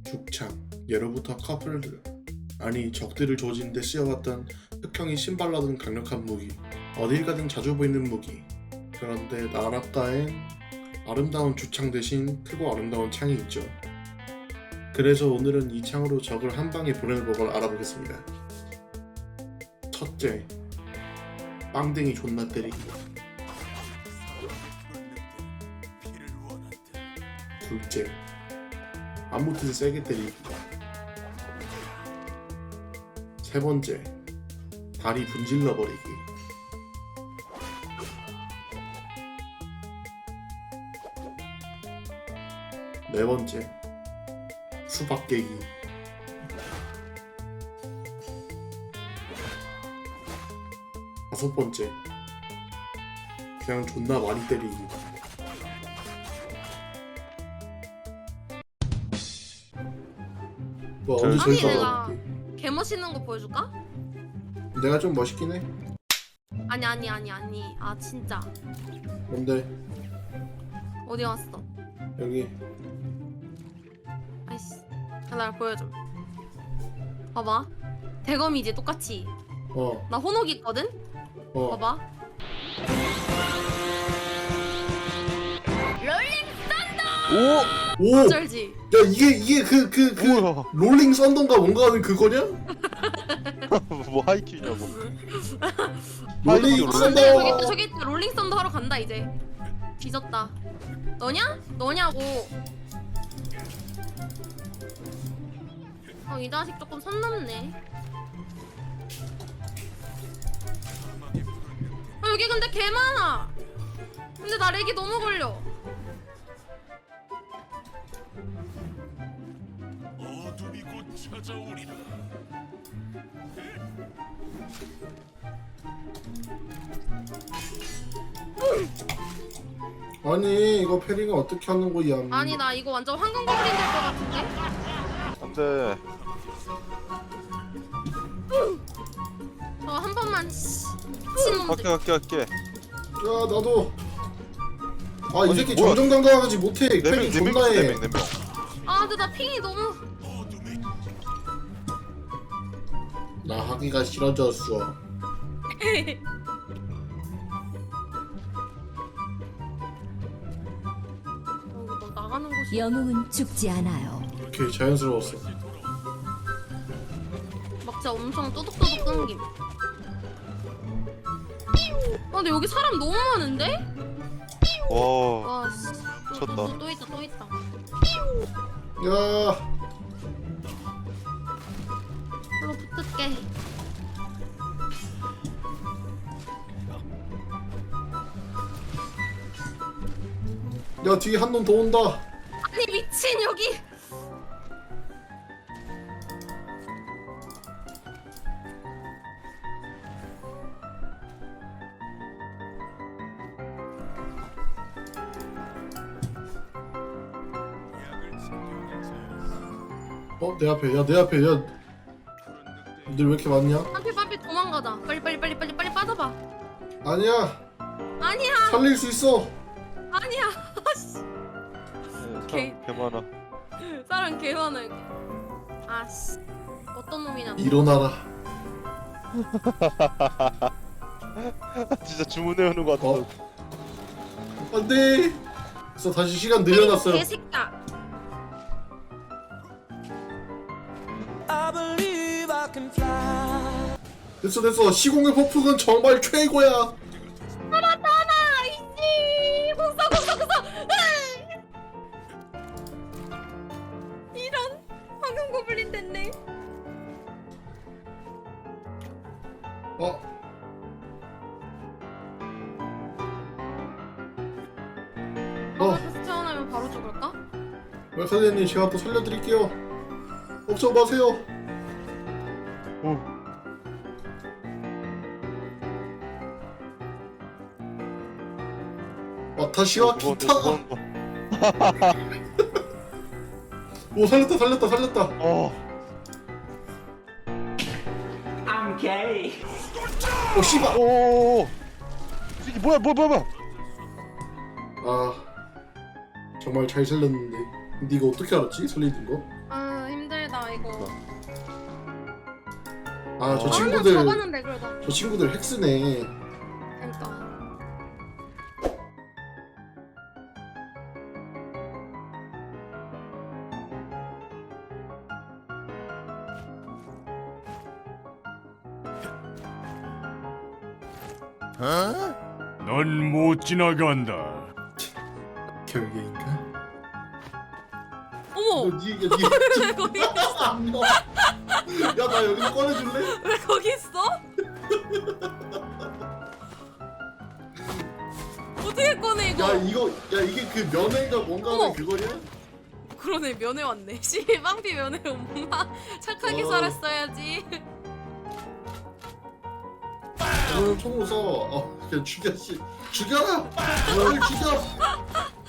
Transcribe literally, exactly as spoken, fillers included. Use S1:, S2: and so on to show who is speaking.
S1: 죽창. 예로부터 커플들, 아니 적들을 조지는데 쓰여왔던 흑형이 신발라던 강력한 무기. 어딜 가든 자주 보이는 무기. 그런데 나라가엔 아름다운 주창 대신 크고 아름다운 창이 있죠. 그래서 오늘은 이 창으로 적을 한 방에 보내는 법을 알아보겠습니다. 첫째, 빵댕이 존나 때리기. 둘째, 아무 뜻을 세게 때리기. 세 번째, 다리 분질러 버리기. 네 번째, 수박 깨기. 다섯 번째, 그냥 존나 많이 때리기. 뭐 언제
S2: 아니,
S1: 저기서
S2: 내가-
S1: 알아볼게.
S2: 개 멋있는 거 보여줄까?
S1: 내가 좀 멋있긴 해.
S2: 아니 아니 아니 아니 아 진짜
S1: 근데
S2: 어디 갔어?
S1: 여기
S2: 아이씨 나 보여줘. 봐봐 대검이지 똑같이.
S1: 어
S2: 나 혼옥 있거든?
S1: 어.
S2: 봐봐 롤링
S3: 오!
S1: 오! 야
S2: 쩔지?
S1: 이게 이게 그 그 그
S3: 뭐야?
S1: 롤링 썬던가 뭔가 하는 그거냐?
S3: 뭐 하이큐냐고.
S1: 롤링
S3: 롤링
S2: 어,
S1: 썬더.
S2: 근데 저기 있다 저기 있다 롤링 썬더 하러 간다 이제. 뒤졌다. 너냐? 너냐고. 어, 이 자식 조금 선 넘네. 어, 여기 근데 개 많아. 근데 나 렉이 너무 걸려.
S4: 어둠이 곧 찾아오리라.
S1: 아니 이거 패링을 어떻게 하는 거야?
S2: 아니 나 이거 완전 황금 거블린 될 것 같은데?
S3: 안돼.
S2: 저 한 번만 씨, 미친놈들.
S3: 갈게 갈게 갈게.
S1: 야 나도. 아 이
S3: 아니,
S1: 새끼
S3: 뭐야?
S1: 정정당당하지 못해.
S3: 네명
S1: 패링
S3: 네명
S1: 존나 해.
S3: 네명 네 명.
S2: 아 근데 나 핑이 너무.
S1: 나 하기가 싫어졌어.
S2: 어, 이거 너 나가는 곳이.
S5: 영웅은 죽지 않아요.
S1: 오케이 자연스러웠어.
S2: 막 진짜 엄청 또둑또둑 끊김. 아 근데 여기 사람 너무 많은데?
S3: 와.
S2: 와 씨. 또, 또, 또, 또 있다 또 있다.
S1: 야
S2: 별로 붙을게.
S1: 야 뒤에 한 놈 더 온다.
S2: 아니 미친 여기.
S1: 어 내 앞에 야 내 앞에 야. 니들 왜 이렇게 많냐?
S2: 빨리 빨리 도망가자. 빨리 빨리 빨리 빨리 빨리 빠져봐.
S1: 아니야
S2: 아니야
S1: 살릴 수 있어.
S2: 아니야. 씨. 오케이.
S3: 사람 개 많아.
S2: 사람 개 많아 여기. 아씨 어떤 놈이냐.
S1: 일어나라.
S3: 진짜 주문해오는 거 같아.
S1: 어? 안돼. 그래서 다시 시간 늘려놨어요.
S2: 개새끼야.
S1: 됐어 됐어. 시공의 폭풍은 정말 최고야.
S2: 살았다 나 이씨. 공사 공사 공사. 이런 황금 고블린 됐네.
S1: 어? 어,
S2: 다시 태어나면 바로 죽을까?
S1: 선생님 제가 또 살려드릴게요. 걱정 마세요.
S3: 오.
S1: 와타시와
S3: 무거운
S1: 기타.
S3: 거, 무거운 거.
S1: 오 살렸다 살렸다 살렸다.
S3: 어.
S6: I'm gay.
S1: 오 씨발.
S3: 오. 이게 뭐야 뭐야 뭐야 뭐야.
S1: 아 정말 잘 살렸는데. 근데 이거 어떻게 알았지? 살리는 거?
S2: 아 이거.
S1: 아 저
S3: 아,
S1: 친구들
S2: 잡았는데 그래도.
S1: 저 친구들 핵스네.
S2: 그러니까.
S4: 넌 못 지나간다.
S1: 결계인가?
S2: 어머.
S1: 너 니, 니,
S2: 왜 거기 있어?
S1: 야나 여기 꺼내줄래?
S2: 왜 거기 있어? 어떻게 꺼내 이거?
S1: 야 이거 야 이게 그 면회가 뭔가
S2: 어머.
S1: 하는 그거냐?
S2: 그러네 면회 왔네. 씨 빵피 면회 엄마 착하게
S1: 어.
S2: 살았어야지.
S1: 야, 총으로 써. 어, 그냥 죽여 씨. 죽여라. 널 죽여.